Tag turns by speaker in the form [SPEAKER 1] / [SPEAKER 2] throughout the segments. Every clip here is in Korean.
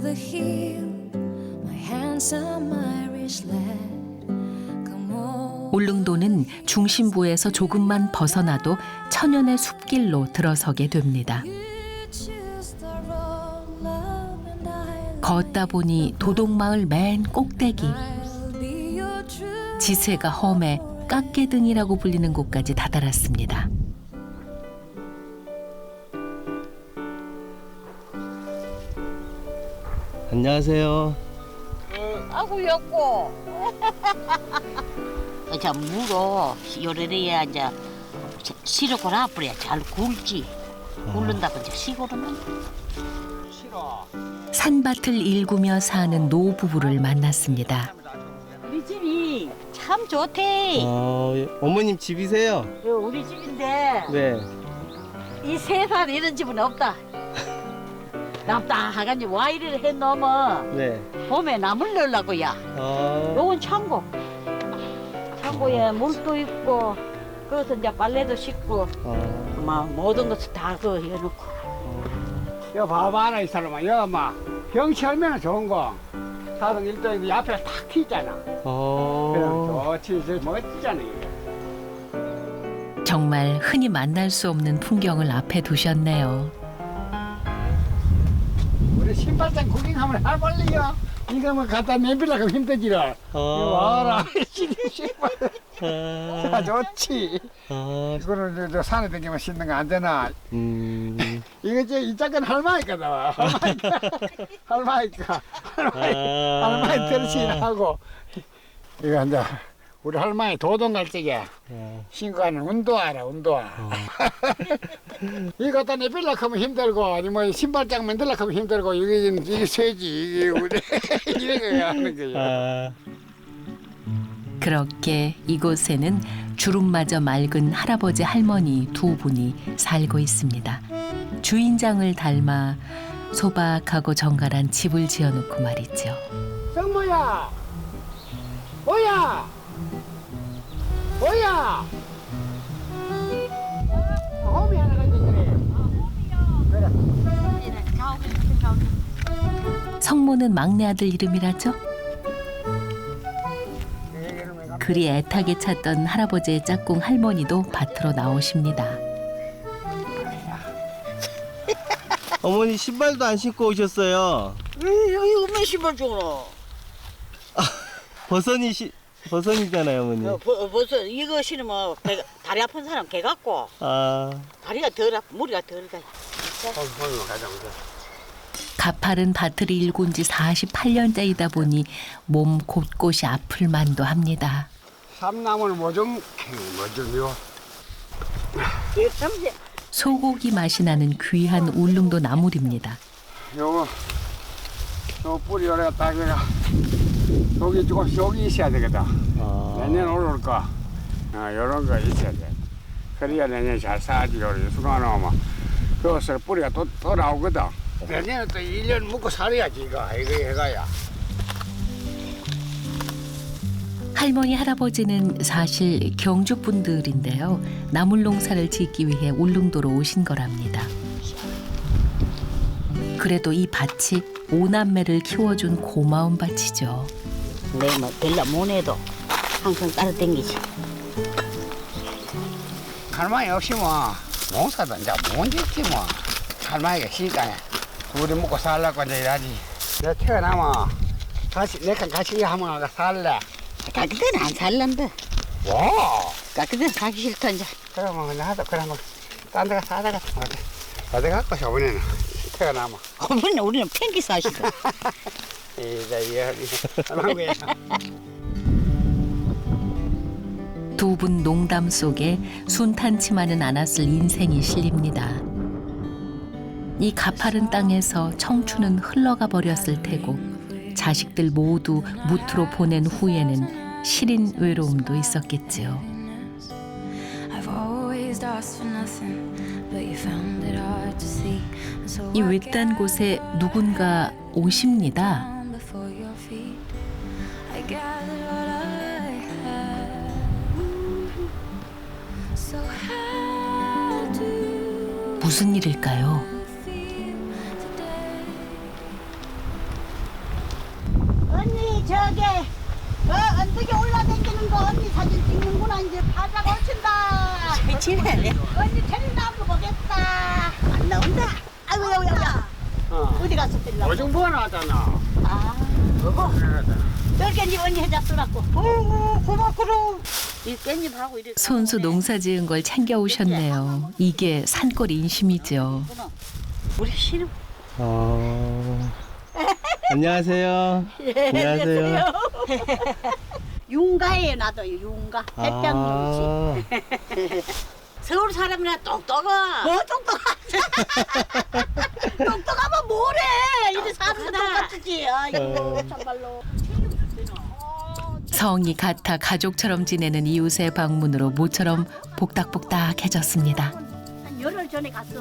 [SPEAKER 1] the hill, my handsome Irish lad. Come on.
[SPEAKER 2] 울릉도는 중심부에서 조금만 벗어나도 천연의 숲길로 들어서게 됩니다.
[SPEAKER 1] You choose the road, love, and I'll
[SPEAKER 2] 걷다 보니 도동마을 맨 꼭대기,
[SPEAKER 1] be your true.
[SPEAKER 2] 지세가 험해 깎개등이라고 불리는 곳까지 다다랐습니다.
[SPEAKER 3] 안녕하세요.
[SPEAKER 4] 아구 였고. 자 물어 요래래야 이제 시럽을 앞으로야 잘 굴지. 굴른다고 이제 시골은
[SPEAKER 2] 산밭을 일구며 사는 노부부를 만났습니다.
[SPEAKER 4] 우리 집이 참 좋대.
[SPEAKER 3] 어머님 집이세요?
[SPEAKER 4] 우리 집인데
[SPEAKER 3] 네.
[SPEAKER 4] 이 세상 이런 집은 없다. 남다하간지 와이를 해 놓으면
[SPEAKER 3] 네.
[SPEAKER 4] 봄에 나물 넣으려고야. 요건 창고. 창고에 물도 있고 거기서 이제 빨래도 씻고 막 모든 것을 다 그 해놓고.
[SPEAKER 5] 여기 봐봐라 이 사람아. 여기 막 경치 얼마나 좋은 거. 사동 일동이 앞에 탁 튀잖아. 그럼 좋지. 저 멋지잖아 이게.
[SPEAKER 2] 정말 흔히 만날 수 없는 풍경을 앞에 두셨네요.
[SPEAKER 5] 우리 신발장 구경하면 해볼래요? 이거 뭐 갖다 내밀라고 힘들지를. 와라. 신발. 자 좋지. 이거는 저 산에 다니면 신는 거 안 되나? 이거 이 작은 할머니까다. 할머니까. 할머니 들신하고 이거 이제 우리 할머니 도동 갈 적에 신고 하는 운동화라 운동화. 이거 갖다 내빌려고 하면 힘들고 아니면 신발장 만들려고 하면 힘들고 이게 쇠지 이게 우리 이런 거 하는 거야.
[SPEAKER 2] 그렇게 이곳에는 주름마저 맑은 할아버지 할머니 두 분이 살고 있습니다. 주인장을 닮아 소박하고 정갈한 집을 지어놓고 말이죠.
[SPEAKER 5] 성모야, 뭐야, 뭐야. 홈이 하나 가지고 그래.
[SPEAKER 2] 성모는 막내 아들 이름이라죠? 그리 애타게 찾던 할아버지의 짝꿍 할머니도 밭으로 나오십니다.
[SPEAKER 3] 어머니 신발도 안 신고 오셨어요.
[SPEAKER 4] 여기 없는 신발 주노.
[SPEAKER 3] 버선이잖아요, 어머니.
[SPEAKER 4] 벌써 이거 신으면 다리 아픈 사람 개 같고 다리가 덜 아프 머리가 덜 가.
[SPEAKER 2] 가파른 밭을 일군 지 48년째이다 보니 몸 곳곳이 아플 만도 합니다.
[SPEAKER 5] 삼나무는 뭐좀요?
[SPEAKER 2] 소고기 맛이 나는 귀한 울릉도 나물입니다.
[SPEAKER 5] 요 뿌리 요래 따기가 여기 조금 여기 있어야 되겠다. 내년 올올 거, 요런 거 있어야 돼. 그래야 내년 잘 사지. 요래 수강하면 그것을 뿌리가 또 나오거든. 내년에 또 1년 묵고 살아야지 이거 해가야.
[SPEAKER 2] 할머니 할아버지는 사실 경주 분들인데요. 나물 농사를 짓기 위해 울릉도로 오신 거랍니다. 그래도 이 밭이 오남매를 키워준 고마운 밭이죠.
[SPEAKER 4] 내 뭐 별로 못 해도 항상 따라다니지.
[SPEAKER 5] 할머니 없이 뭐 농사도 이제 못 짓지 뭐. 할머니가 있으니까 둘이 먹고 살라고 이제 일하지. 내가 태어나면 내가 같이 하면 살래.
[SPEAKER 4] 가끔은 안 살란다.
[SPEAKER 5] 와.
[SPEAKER 4] 가끔은 사기 싫다 이제.
[SPEAKER 5] 그러면 그냥 하다 그러면 딴 데가 사다가 어디 갖고 저번에는 태어나면.
[SPEAKER 4] 어머니 우리는 팽기 사시다.
[SPEAKER 2] 두 분 농담 속에 순탄치만은 않았을 인생이 실립니다. 이 가파른 땅에서 청춘은 흘러가 버렸을 테고 자식들 모두 무트로 보낸 후에는 시린 외로움도 있었겠지요. 이 외딴 곳에 누군가 오십니다. 무슨 일일까요?
[SPEAKER 6] 사진 찍는구나. 이제 바다가 오친다.
[SPEAKER 4] 미치네.
[SPEAKER 6] 언니 테레비 한번 보겠다. 안 나온다. 아이고 야야야. 어디 갔어 테레비?
[SPEAKER 5] 오중부가 나왔잖아.
[SPEAKER 6] 아,
[SPEAKER 5] 그거 그래가지고.
[SPEAKER 6] 널 깻잎 언니 해잡더라고. 고맙구로. 이 깻잎하고 이렇게.
[SPEAKER 2] 손수 농사 지은 걸 챙겨 오셨네요. 이게 산골 인심이죠.
[SPEAKER 6] 우리 신우.
[SPEAKER 3] 안녕하세요. 안녕하세요.
[SPEAKER 6] 윤가에 나도 윤가. 햇볕 눈치. 서울 사람이라 똑똑아. 뭐 똑똑하? 똑똑하면 뭐래? 이래 사람도 똑같지. 아이고 참말로.
[SPEAKER 2] 성이 같아 가족처럼 지내는 이웃의 방문으로 모처럼 복닥복닥해졌습니다.
[SPEAKER 6] 한 열흘 전에 갔어.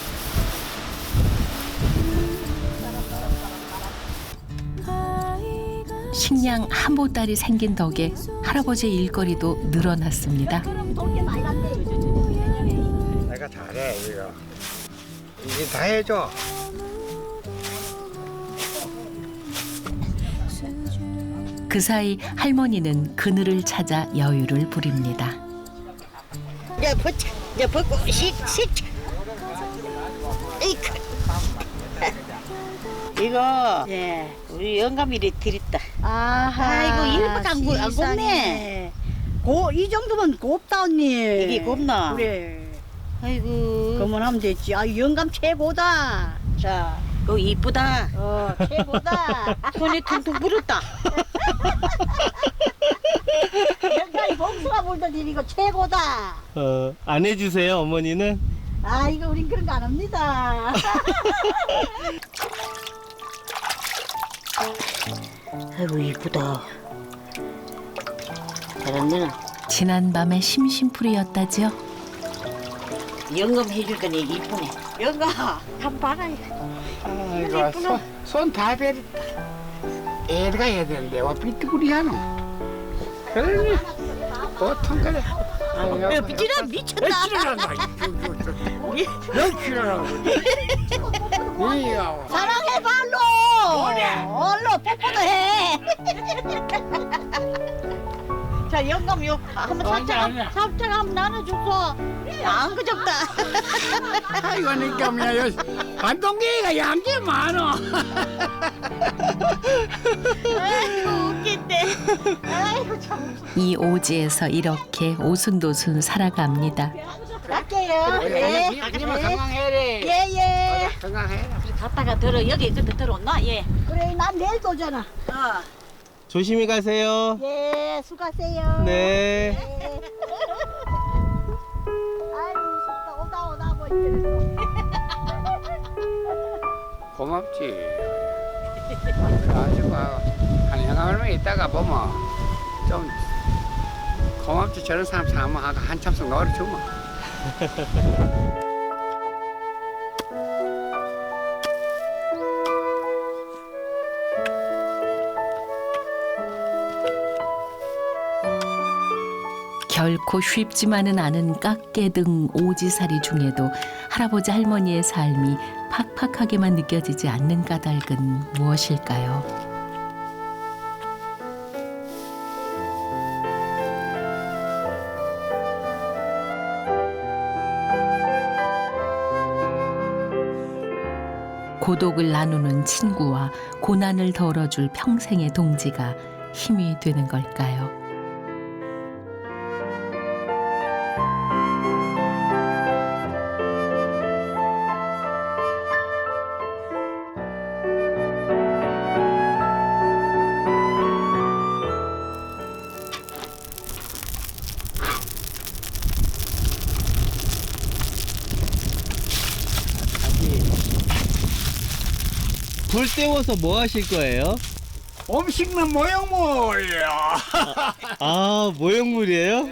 [SPEAKER 2] 식량 한 보따리 생긴 덕에 할아버지의 일거리도 늘어났습니다.
[SPEAKER 6] 그럼 돈게 많이 간대.
[SPEAKER 5] 내가 잘해 이거. 이제 다 해줘.
[SPEAKER 2] 그 사이 할머니는 그늘을 찾아 여유를 부립니다.
[SPEAKER 6] 이제 벗자. 이제 벗고 식.
[SPEAKER 4] 이거
[SPEAKER 6] 예.
[SPEAKER 4] 우리 영감이리 드렸다.
[SPEAKER 6] 아이고 이렇게 안 곱네. 이 정도면 곱다 언니.
[SPEAKER 4] 이게 곱나?
[SPEAKER 6] 그래.
[SPEAKER 4] 아이고.
[SPEAKER 6] 그러면 하면 됐지. 아 영감 최고다. 자,
[SPEAKER 4] 그거 이쁘다.
[SPEAKER 6] 최고다.
[SPEAKER 4] 손이 퉁퉁 불었다.
[SPEAKER 6] 영감이 복수가 불더니 이거 최고다.
[SPEAKER 3] 안 해주세요, 어머니는?
[SPEAKER 6] 아 이거 우린 그런 거 안 합니다.
[SPEAKER 4] 아이고 이쁘다. 잘한다.
[SPEAKER 2] 지난밤의 심심풀이였다지요.
[SPEAKER 4] 영감 해줄 거니 이쁘네. 영감 한번 봐라.
[SPEAKER 5] 아이고 손다 베렸다. 애가 해야 되는데 와 삐뚤이하노. 그러니 보통 그래.
[SPEAKER 6] 비지라 미쳤다. 사랑해 발로. 얼로 뽀뽀도 해. 자 영감 요 한번 살짝 한번 나눠줘서 안 그적다.
[SPEAKER 5] 아이고 니까면 반동개가 양게 많어.
[SPEAKER 6] 아이고 웃긴데. 아이고 참.
[SPEAKER 2] 이 오지에서 이렇게 오순도순 살아갑니다.
[SPEAKER 6] 갈게요. 예.
[SPEAKER 5] 건강해래.
[SPEAKER 6] 예예.
[SPEAKER 5] 건강해라.
[SPEAKER 4] 갔다가 들어 여기 근데 들어온나 예.
[SPEAKER 6] 그래 난 내일 오잖아.
[SPEAKER 3] 조심히 가세요.
[SPEAKER 6] 예 수고하세요.
[SPEAKER 3] 네.
[SPEAKER 6] 예. 아이고 무섭다. 오다 뭐 이렇게.
[SPEAKER 5] 고맙지. 아주 한 형아만 있다가 보면 좀 고맙지. 저런 사람 사모하고 한참씩 놀아주면.
[SPEAKER 2] 결코 쉽지만은 않은 깎개등 오지살이 중에도 할아버지 할머니의 삶이 팍팍하게만 느껴지지 않는 까닭은 무엇일까요? 고독을 나누는 친구와 고난을 덜어줄 평생의 동지가 힘이 되는 걸까요?
[SPEAKER 3] 불 때워서 뭐 하실 거예요?
[SPEAKER 5] 음식은 모형물이야.
[SPEAKER 3] 아, 모형물이에요?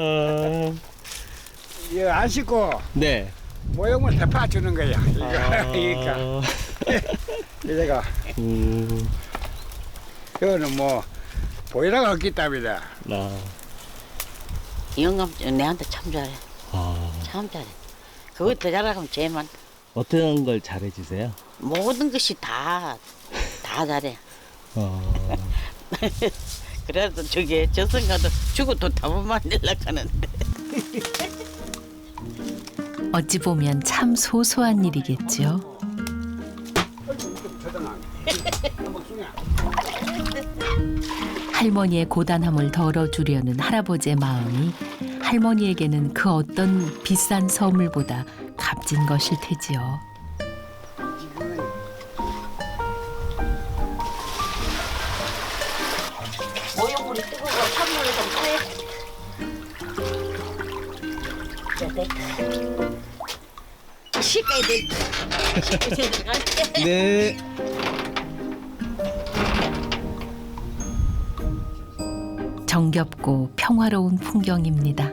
[SPEAKER 5] 이거 안 씻고
[SPEAKER 3] 네.
[SPEAKER 5] 모형물 대파 주는 거야. 이거 그러니까 이제가 이거는 뭐 보이라가 없기 때문이다.
[SPEAKER 4] 영감 내한테 참 잘해. 참 잘해. 그거 더 잘하면 제일 많다.
[SPEAKER 3] 어떤 걸 잘해주세요?
[SPEAKER 4] 모든 것이 다 잘해. 그래도 저기 저승가도 죽어도 답은 만들려고 하는데.
[SPEAKER 2] 어찌 보면 참 소소한 일이겠죠. 할머니의 고단함을 덜어주려는 할아버지의 마음이 할머니에게는 그 어떤 비싼 선물보다 값진 것일 테지요.
[SPEAKER 6] 모욕물이 뜨거워 찬물을 좀 해. 식어야 돼.
[SPEAKER 3] 네.
[SPEAKER 2] 정겹고 평화로운 풍경입니다.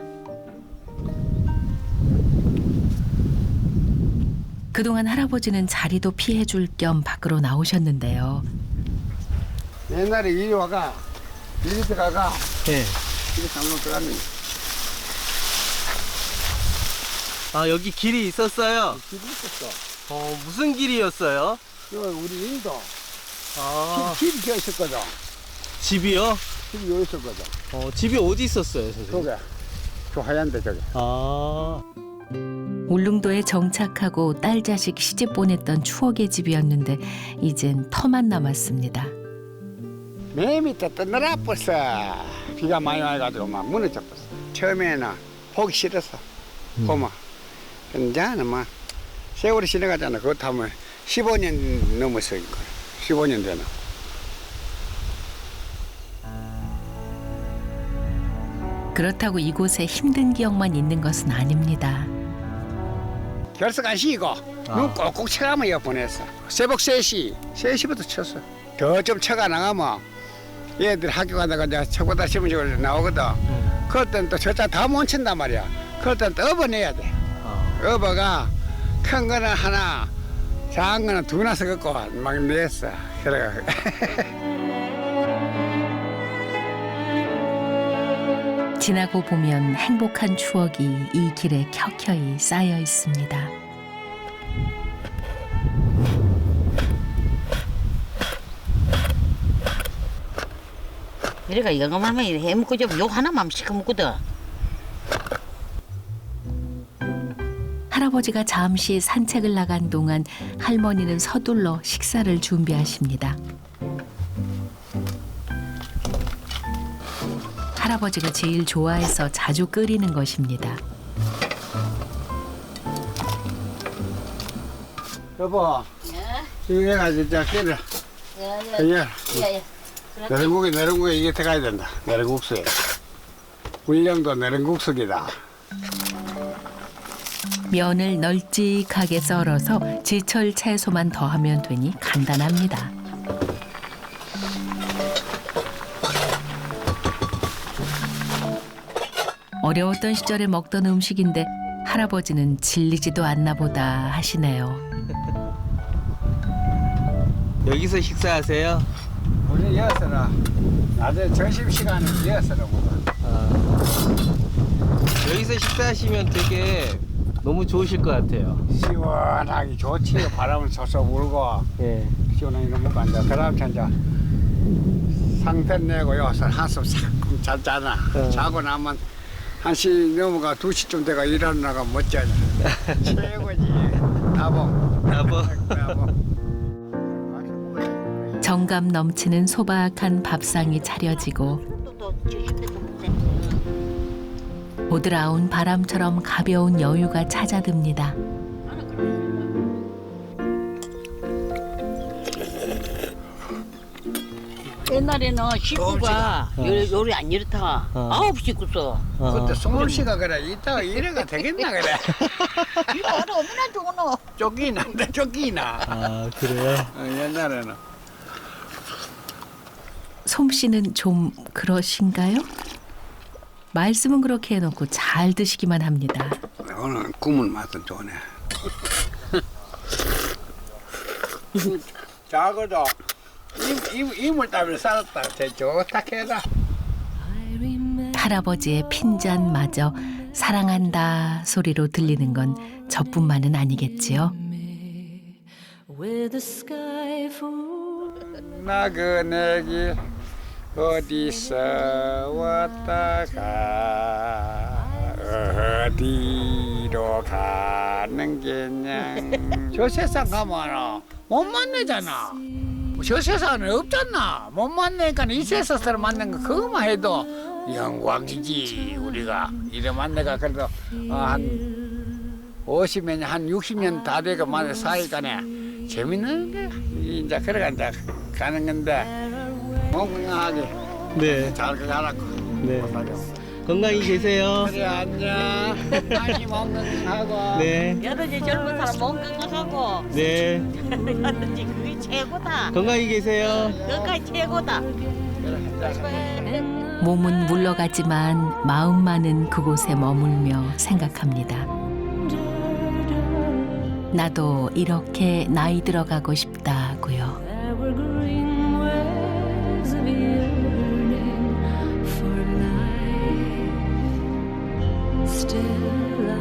[SPEAKER 2] 그동안 할아버지는 자리도 피해줄 겸 밖으로 나오셨는데요.
[SPEAKER 5] 옛날에 이리 와가 이리 들어가가
[SPEAKER 3] 네.
[SPEAKER 5] 이리 한번 들어갔네.
[SPEAKER 3] 아, 여기 길이 있었어요?
[SPEAKER 5] 길이 있었어.
[SPEAKER 3] 무슨 길이었어요?
[SPEAKER 5] 이거 우리 인도
[SPEAKER 3] 아,
[SPEAKER 5] 집이 저 있었거든.
[SPEAKER 3] 집이요?
[SPEAKER 5] 집이 여기 있었거든.
[SPEAKER 3] 집이 어디 있었어요, 선생님?
[SPEAKER 5] 저게 저 하얀데 저게.
[SPEAKER 2] 아. 울릉도에 정착하고 딸 자식 시집 보냈던 추억의 집이었는데 이젠 터만 남았습니다.
[SPEAKER 5] 맨 밑에 뜨느라 벌써 비가 많이 와가지고 막 무너져 버렸어. 처음에는 보기 싫었어. 고마. 근데 이제는 막 세월이 지나가잖아. 그거 타면 15년 넘었어 이거. 15년 되나.
[SPEAKER 2] 그렇다고 이곳에 힘든 기억만 있는 것은 아닙니다.
[SPEAKER 5] 결석 안 쉬고 눈 꼭꼭 쳐가면 이어 보냈어. 새벽 3시부터 쳤어. 더 좀 쳐가 나가면 얘들 학교 가다가 이제 초보다 시험지를 나오거든. 그럴 땐 또 저자 다 못 친단 말이야. 그럴 땐 또 업어내야 돼. 업어가 큰 거는 하나, 작은 거는 두나 섞고 막 냈어. 그래가.
[SPEAKER 2] 지나고 보면 행복한 추억이 이 길에 켜켜이 쌓여 있습니다.
[SPEAKER 4] 이래가 영감하면 해먹고 좀 욕 하나만 시켜먹거든.
[SPEAKER 2] 할아버지가 잠시 산책을 나간 동안 할머니는 서둘러 식사를 준비하십니다. 할아버지가 제일 좋아해서 자주 끓이는 것입니다.
[SPEAKER 5] 여보, 이거 내가 진짜 깨를. 예. 내른국에 이게 들어가야 된다. 내른국수에. 불량도 내른국수기다.
[SPEAKER 2] 면을 널찍하게 썰어서 제철 채소만 더하면 되니 간단합니다. 어려웠던 시절에 먹던 음식인데 할아버지는 질리지도 않나 보다 하시네요.
[SPEAKER 3] 여기서 식사하세요?
[SPEAKER 5] 우리 여서라. 낮에 점심시간에 여서라 먹어.
[SPEAKER 3] 여기서 식사하시면 되게 너무 좋으실 것 같아요.
[SPEAKER 5] 시원하게 좋지. 바람을 쏘쏘 불고.
[SPEAKER 3] 예.
[SPEAKER 5] 시원하게 먹고 앉아. 그 다음 이제 상태 내고 여기서 한숨 싹 잤잖아. 자고 나면 1시 넘어가 2시쯤 돼가 일어나가 멋져져. 최고지. 나봉.
[SPEAKER 2] 정감 넘치는 소박한 밥상이 차려지고 보드라운 바람처럼 가벼운 여유가 찾아듭니다.
[SPEAKER 4] 옛날에는 식구가 요리 안 이렇다. 9식구서.
[SPEAKER 5] 그때 송울씨가 그래. 이따가 이래가 되겠나 그래.
[SPEAKER 6] 이거 얼마나 좋노.
[SPEAKER 5] 쫓기나.
[SPEAKER 3] 아, 그래요?
[SPEAKER 5] 옛날에는.
[SPEAKER 2] 솜씨는 좀 그러신가요? 말씀은 그렇게 해놓고 잘 드시기만 합니다.
[SPEAKER 5] 오늘 국물 맛은 좋네. 작아도 이물 따위로 살았다. 제 좋다 캐다.
[SPEAKER 2] 할아버지의 핀잔마저 사랑한다 소리로 들리는 건 저뿐만은 아니겠지요.
[SPEAKER 5] 나그네기 어디서 왔다가 어디로 가는 게냐. 저 세상 가면 못 만나잖아. 저 세상은 없잖아. 못 만나니까 이 세상을 만난 거 그거만 해도 영광이지. 우리가 이래 만나가 그래도 한 50년, 한 60년 다 되고 만나 사이간에 재밌는 게 이제 그래가 이제 가는 건데 건강하게
[SPEAKER 3] 네.
[SPEAKER 5] 잘 가라고.
[SPEAKER 3] 네. 건강히 계세요.
[SPEAKER 5] 그래 안녕. 많이 건강하고.
[SPEAKER 3] 네.
[SPEAKER 4] 여든지 젊은 사람 몸 건강하고
[SPEAKER 3] 네.
[SPEAKER 4] 여든지 그게 최고다.
[SPEAKER 3] 건강히 계세요.
[SPEAKER 4] 그게 최고다.
[SPEAKER 2] 몸은 물러가지만 마음만은 그곳에 머물며 생각합니다. 나도 이렇게 나이 들어가고 싶다고요.
[SPEAKER 1] evergreen ways of yearning for life. Still